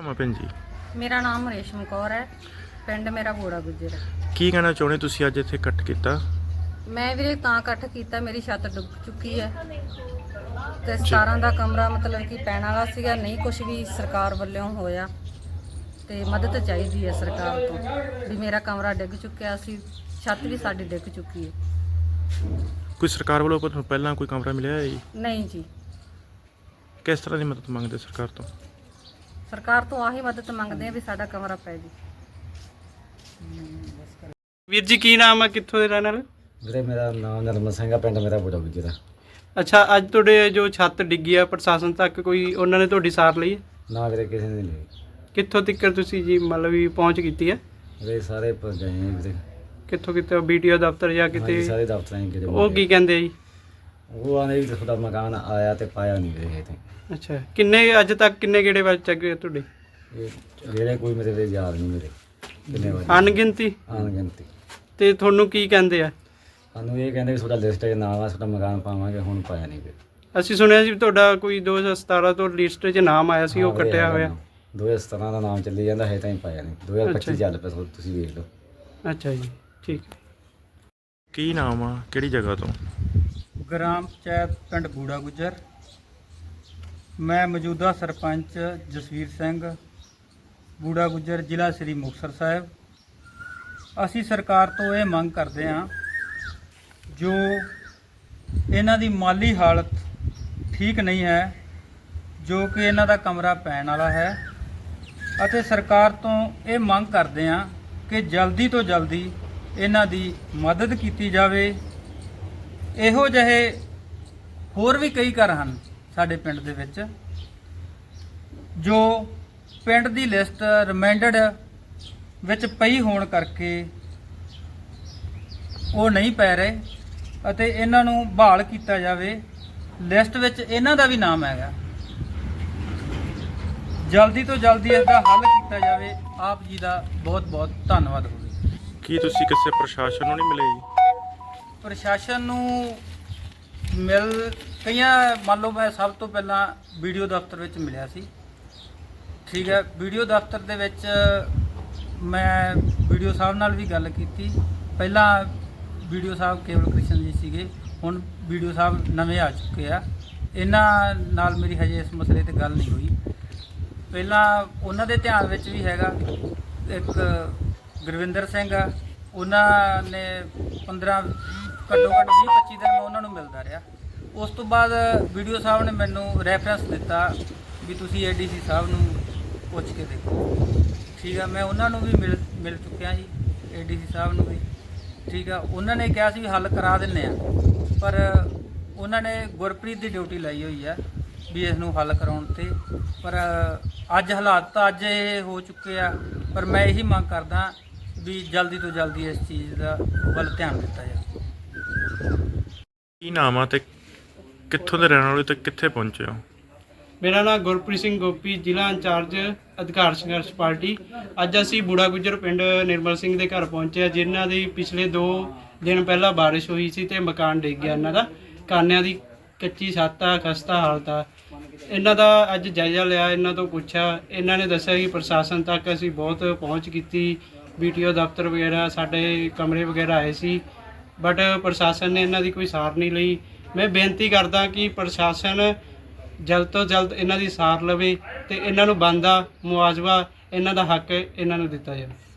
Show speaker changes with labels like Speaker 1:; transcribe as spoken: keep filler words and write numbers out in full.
Speaker 1: नाम है भैन जी?
Speaker 2: मेरा नाम रेशम कौर है, पिंड मेरा बूढ़ा गुज्जर है।
Speaker 1: की कहना चाਹੁੰਦੇ ਤੁਸੀਂ ਅੱਜ ਇੱਥੇ ਇਕੱਠ ਕੀਤਾ?
Speaker 2: मैं ਵੀਰੇ ਤਾਂ ਇਕੱਠ ਕੀਤਾ, ਮੇਰੀ ਛੱਤ ਡੁੱਬ ਚੁੱਕੀ ਹੈ ਤੇ ਸਤਾਰਾਂ ਦਾ ਕਮਰਾ ਮਤਲਬ ਕਿ ਪੈਣ ਵਾਲਾ ਸੀਗਾ, ਨਹੀਂ ਕੁਝ ਵੀ ਸਰਕਾਰ ਵੱਲੋਂ ਹੋਇਆ ਤੇ ਮਦਦ ਚਾਹੀਦੀ ਹੈ ਸਰਕਾਰ ਤੋਂ ਵੀ ਮੇਰਾ ਕਮਰਾ ਡਿੱਗ ਚੁੱਕਿਆ ਸੀ, ਛੱਤ ਵੀ ਸਾਡੀ ਡਿੱਗ ਚੁੱਕੀ ਹੈ।
Speaker 1: ਕੋਈ ਸਰਕਾਰ ਵੱਲੋਂ ਤੁਹਾਨੂੰ ਪਹਿਲਾਂ ਕੋਈ ਕਮਰਾ ਮਿਲਿਆ ਹੈ ਜੀ?
Speaker 2: ਨਹੀਂ ਜੀ,
Speaker 1: ਕਿਸ ਤਰ੍ਹਾਂ ਦੀ ਮਦਦ ਮੰਗਦੇ ਸਰਕਾਰ ਤੋਂ?
Speaker 2: ਸਰਕਾਰ ਤੋਂ ਆਹੀ ਮਦਦ ਮੰਗਦੇ ਆ ਵੀ ਸਾਡਾ ਕਮਰਾ ਪੈ ਜੀ।
Speaker 3: ਵੀਰ ਜੀ ਕੀ ਨਾਮ ਹੈ, ਕਿੱਥੋਂ ਦੇ ਰਹਿਣ ਵਾਲੇ?
Speaker 4: ਵੀਰੇ ਮੇਰਾ ਨਾਮ ਨਰਮਲ ਸਿੰਘ ਆ, ਪਿੰਡ ਮੇਰਾ ਬੂੜਾ ਗੁੱਜਰ ਆ।
Speaker 3: ਅੱਛਾ, ਅੱਜ ਤੁਹਾਡੇ ਜੋ ਛੱਤ ਡਿੱਗੀ ਆ ਪ੍ਰਸ਼ਾਸਨ ਤੱਕ ਕੋਈ ਉਹਨਾਂ ਨੇ ਤੁਹਾਡੀ ਸਾਰ ਲਈ ਹੈ?
Speaker 4: ਨਾ ਵੀਰੇ ਕਿਸੇ ਨੇ ਨਹੀਂ।
Speaker 3: ਕਿੱਥੋਂ ਤੱਕ ਤੁਸੀਂ ਜੀ ਮਤਲਬ ਵੀ ਪਹੁੰਚ ਕੀਤੀ ਹੈ?
Speaker 4: ਵੀਰੇ ਸਾਰੇ ਪ- ਗਏ ਆ ਵੀਰੇ।
Speaker 3: ਕਿੱਥੋਂ ਕਿਤੇ ਬੀਟੀਓ ਦਫ਼ਤਰ ਜਾਂ
Speaker 4: ਹਾਂਜੀ,
Speaker 3: ਕਿਤੇ?
Speaker 4: ਸਾਰੇ ਦਫ਼ਤਰਾਂ 'ਚ ਗਏ।
Speaker 3: ਉਹ ਕੀ ਕਹਿੰਦੇ ਆ ਜੀ?
Speaker 4: ਉਹ ਆਂਦੇ ਵੀ ਤੁਹਾਡਾ ਮਕਾਨ ਆਇਆ ਤੇ ਪਾਇਆ ਨਹੀਂ ਵੀਰੇ ਹਜੇ ਤਾਈਂ।
Speaker 3: ਅੱਛਾ, ਕਿੰਨੇ ਅੱਜ ਤੱਕ ਕਿੰਨੇ ਗੇੜੇ ਵੱਜ ਚੱਕੇ ਤੁਹਾਡੇ?
Speaker 4: ਇਹ ਜਿਹੜੇ ਕੋਈ ਮੇਰੇ ਵੀਰੇ ਯਾਦ ਨਹੀਂ ਮੇਰੇ ਕਿੰਨੇ ਵਜੇ
Speaker 3: ਅਣਗਿਣਤੀ?
Speaker 4: ਅਣਗਿਣਤੀ।
Speaker 3: ਤੇ ਤੁਹਾਨੂੰ ਕੀ ਕਹਿੰਦੇ ਆ?
Speaker 4: ਸਾਨੂੰ ਇਹ ਕਹਿੰਦੇ ਵੀ ਤੁਹਾਡਾ ਲਿਸਟ 'ਚ ਨਾਮ ਆ, ਤੁਹਾਡਾ ਮਕਾਨ ਪਾਵਾਂਗੇ, ਹੁਣ ਪਾਇਆ ਨਹੀਂ ਵੀਰੇ।
Speaker 3: ਅਸੀਂ ਸੁਣਿਆ ਸੀ ਵੀ ਤੁਹਾਡਾ ਕੋਈ ਦੋ ਹਜ਼ਾਰ ਸਤਾਰਾਂ ਤੋਂ ਲਿਸਟ 'ਚ ਨਾਮ ਆਇਆ ਸੀ, ਉਹ
Speaker 4: ਹਾਂ ਵੀਰੇ,
Speaker 3: ਕੱਟਿਆ
Speaker 4: ਹੈਗਾ
Speaker 3: ਹੋਇਆ।
Speaker 4: ਨਾਮ। ਦੋ ਹਜ਼ਾਰ ਸਤਾਰਾਂ ਦਾ ਨਾਮ ਚੱਲੀ ਜਾਂਦਾ ਹੈ ਤਾਂ ਪਾਇਆ ਨਹੀਂ। ਦੋ ਹਜ਼ਾਰ ਪੱਚੀ
Speaker 3: ਅੱਛਾ।
Speaker 4: ਚੱਲ ਪਿਆ, ਤੁਸੀਂ ਵੇਖ ਲਓ।
Speaker 3: ਅੱਛਾ ਜੀ, ਠੀਕ ਹੈ।
Speaker 1: ਕੀ ਨਾਮ ਆ, ਕਿਹੜੀ ਜਗ੍ਹਾ ਤੋਂ?
Speaker 5: ਗ੍ਰਾਮ ਪੰਚਾਇਤ ਪਿੰਡ ਬੂੜਾ ਗੁੱਜਰ। ਮੈਂ ਮੌਜੂਦਾ ਸਰਪੰਚ ਜਸਵੀਰ ਸਿੰਘ ਬੂੜਾ ਗੁੱਜਰ, ਜ਼ਿਲ੍ਹਾ ਸ੍ਰੀ ਮੁਕਤਸਰ ਸਾਹਿਬ। ਅਸੀਂ ਸਰਕਾਰ ਤੋਂ ਇਹ ਮੰਗ ਕਰਦੇ ਹਾਂ ਜੋ ਇਹਨਾਂ ਦੀ ਮਾਲੀ ਹਾਲਤ ਠੀਕ ਨਹੀਂ ਹੈ, ਜੋ ਕਿ ਇਹਨਾਂ ਦਾ ਕਮਰਾ ਪੈਣ ਵਾਲਾ ਹੈ, ਅਤੇ ਸਰਕਾਰ ਤੋਂ ਇਹ ਮੰਗ ਕਰਦੇ ਹਾਂ ਕਿ ਜਲਦੀ ਤੋਂ ਜਲਦੀ ਇਹਨਾਂ ਦੀ ਮਦਦ ਕੀਤੀ ਜਾਵੇ। ਇਹੋ ਜਿਹੇ ਹੋਰ ਵੀ ਕਈ ਘਰ ਹਨ ਸਾਡੇ ਪਿੰਡ ਦੇ ਵਿੱਚ ਜੋ ਪਿੰਡ ਦੀ ਲਿਸਟ ਰਿਮਾਈਂਡਡ ਵਿੱਚ ਪਈ ਹੋਣ ਕਰਕੇ ਉਹ ਨਹੀਂ ਪੈ ਰਹੇ, ਅਤੇ ਇਹਨਾਂ ਨੂੰ ਬਹਾਲ ਕੀਤਾ ਜਾਵੇ। ਲਿਸਟ ਵਿੱਚ ਇਹਨਾਂ ਦਾ ਵੀ ਨਾਮ ਹੈਗਾ, ਜਲਦੀ ਤੋਂ ਜਲਦੀ ਇਸ ਦਾ ਹੱਲ ਕੀਤਾ ਜਾਵੇ। ਆਪ ਜੀ ਦਾ ਬਹੁਤ ਬਹੁਤ ਧੰਨਵਾਦ ਹੋਵੇ।
Speaker 1: ਕੀ ਤੁਸੀਂ ਕਿਸੇ ਪ੍ਰਸ਼ਾਸਨ ਨੂੰ ਨਹੀਂ ਮਿਲੇ ਜੀ?
Speaker 5: ਪ੍ਰਸ਼ਾਸਨ ਨੂੰ ਮਿਲ ਕਈਆਂ ਮੰਨ ਲਓ ਮੈਂ ਸਭ ਤੋਂ ਪਹਿਲਾਂ ਵੀਡੀਓ ਦਫ਼ਤਰ ਵਿੱਚ ਮਿਲਿਆ ਸੀ, ਠੀਕ ਹੈ। ਵੀਡੀਓ ਦਫ਼ਤਰ ਦੇ ਵਿੱਚ ਮੈਂ ਵੀਡੀਓ ਸਾਹਿਬ ਨਾਲ ਵੀ ਗੱਲ ਕੀਤੀ। ਪਹਿਲਾਂ ਵੀਡੀਓ ਸਾਹਿਬ ਕੇਵਲ ਕ੍ਰਿਸ਼ਨ ਜੀ ਸੀਗੇ, ਹੁਣ ਵੀਡੀਓ ਸਾਹਿਬ ਨਵੇਂ ਆ ਚੁੱਕੇ ਆ। ਇਹਨਾਂ ਨਾਲ ਮੇਰੀ ਹਜੇ ਇਸ ਮਸਲੇ ਤੇ ਗੱਲ ਨਹੀਂ ਹੋਈ। ਪਹਿਲਾਂ ਉਹਨਾਂ ਦੇ ਧਿਆਨ ਵਿੱਚ ਵੀ ਹੈਗਾ, ਇੱਕ ਗੁਰਵਿੰਦਰ ਸਿੰਘ ਆ, ਉਹਨਾਂ ਨੇ ਪੰਦਰਾਂ ਘੱਟੋ ਘੱਟ ਵੀਹ ਪੱਚੀ ਦਿਨ ਮੈਂ ਉਹਨਾਂ ਨੂੰ ਮਿਲਦਾ ਰਿਹਾ। ਉਸ ਤੋਂ ਬਾਅਦ ਵੀਡੀਓ ਸਾਹਿਬ ਨੇ ਮੈਨੂੰ ਰੈਫਰੈਂਸ ਦਿੱਤਾ ਵੀ ਤੁਸੀਂ ਏ ਡੀ ਸੀ ਸਾਹਿਬ ਨੂੰ ਪੁੱਛ ਕੇ ਦੇਖੋ, ਠੀਕ ਆ। ਮੈਂ ਉਹਨਾਂ ਨੂੰ ਵੀ ਮਿਲ ਮਿਲ ਚੁੱਕਿਆ ਜੀ, ਏ ਡੀ ਸੀ ਸਾਹਿਬ ਨੂੰ ਵੀ, ਠੀਕ ਆ। ਉਹਨਾਂ ਨੇ ਕਿਹਾ ਸੀ ਵੀ ਹੱਲ ਕਰਾ ਦਿੰਦੇ ਆ, ਪਰ ਉਹਨਾਂ ਨੇ ਗੁਰਪ੍ਰੀਤ ਦੀ ਡਿਊਟੀ ਲਾਈ ਹੋਈ ਆ ਵੀ ਇਸ ਨੂੰ ਹੱਲ ਕਰਾਉਣ 'ਤੇ। ਪਰ ਅੱਜ ਹਾਲਾਤ ਤਾਂ ਅੱਜ ਇਹ ਹੋ ਚੁੱਕੇ ਆ, ਪਰ ਮੈਂ ਇਹੀ ਮੰਗ ਕਰਦਾ ਵੀ ਜਲਦੀ ਤੋਂ ਜਲਦੀ ਇਸ ਚੀਜ਼ ਦਾ ਵੱਲ ਧਿਆਨ ਦਿੱਤਾ ਜਾਵੇ।
Speaker 1: ਕੀ ਨਾਮ ਆ ਤੇ ਕਿੱਥੋਂ ਦੇ ਰਹਿਣ ਵਾਲੇ ਤੇ ਕਿੱਥੇ ਪਹੁੰਚੇ ਹੋ?
Speaker 3: ਮੇਰਾ ਨਾਮ ਗੁਰਪ੍ਰੀਤ ਸਿੰਘ ਗੋਪੀ, ਜ਼ਿਲ੍ਹਾ ਇੰਚਾਰਜ ਅਧਿਕਾਰ ਸੰਘਰਸ਼ ਪਾਰਟੀ। ਅੱਜ ਅਸੀਂ ਬੂੜਾ ਗੁੱਜਰ ਪਿੰਡ ਨਿਰਮਲ ਸਿੰਘ ਦੇ ਘਰ ਪਹੁੰਚੇ ਆ, ਜਿਨ੍ਹਾਂ ਦੀ ਪਿਛਲੇ ਦੋ ਦਿਨ ਪਹਿਲਾਂ ਬਾਰਿਸ਼ ਹੋਈ ਸੀ ਤੇ ਮਕਾਨ ਡਿੱਗ ਗਿਆ ਇਹਨਾਂ ਦਾ। ਕਾਨਿਆਂ ਦੀ ਕੱਚੀ ਛੱਤ ਆ, ਖਸਤਾ ਹਾਲਤ ਆ। ਇਹਨਾਂ ਦਾ ਅੱਜ ਜਾਇਜ਼ਾ ਲਿਆ, ਇਹਨਾਂ ਤੋਂ ਪੁੱਛਿਆ। ਇਹਨਾਂ ਨੇ ਦੱਸਿਆ ਕਿ ਪ੍ਰਸ਼ਾਸਨ ਤੱਕ ਅਸੀਂ ਬਹੁਤ ਪਹੁੰਚ ਕੀਤੀ, ਬੀਟੀਓ ਦਫ਼ਤਰ ਵਗੈਰਾ, ਸਾਡੇ ਕਮਰੇ ਵਗੈਰਾ ਆਏ ਸੀ, ਬਟ ਪ੍ਰਸ਼ਾਸਨ ਨੇ ਇਹਨਾਂ ਦੀ ਕੋਈ ਸਾਰ ਨਹੀਂ ਲਈ। ਮੈਂ ਬੇਨਤੀ ਕਰਦਾ ਕਿ ਪ੍ਰਸ਼ਾਸਨ ਜਲਦ ਤੋਂ ਜਲਦ ਇਹਨਾਂ ਦੀ ਸਾਰ ਲਵੇ ਤੇ ਇਹਨਾਂ ਨੂੰ ਬਣਦਾ ਮੁਆਵਜ਼ਾ, ਇਹਨਾਂ ਦਾ ਹੱਕ ਇਹਨਾਂ ਨੂੰ ਦਿੱਤਾ ਜਾਵੇ।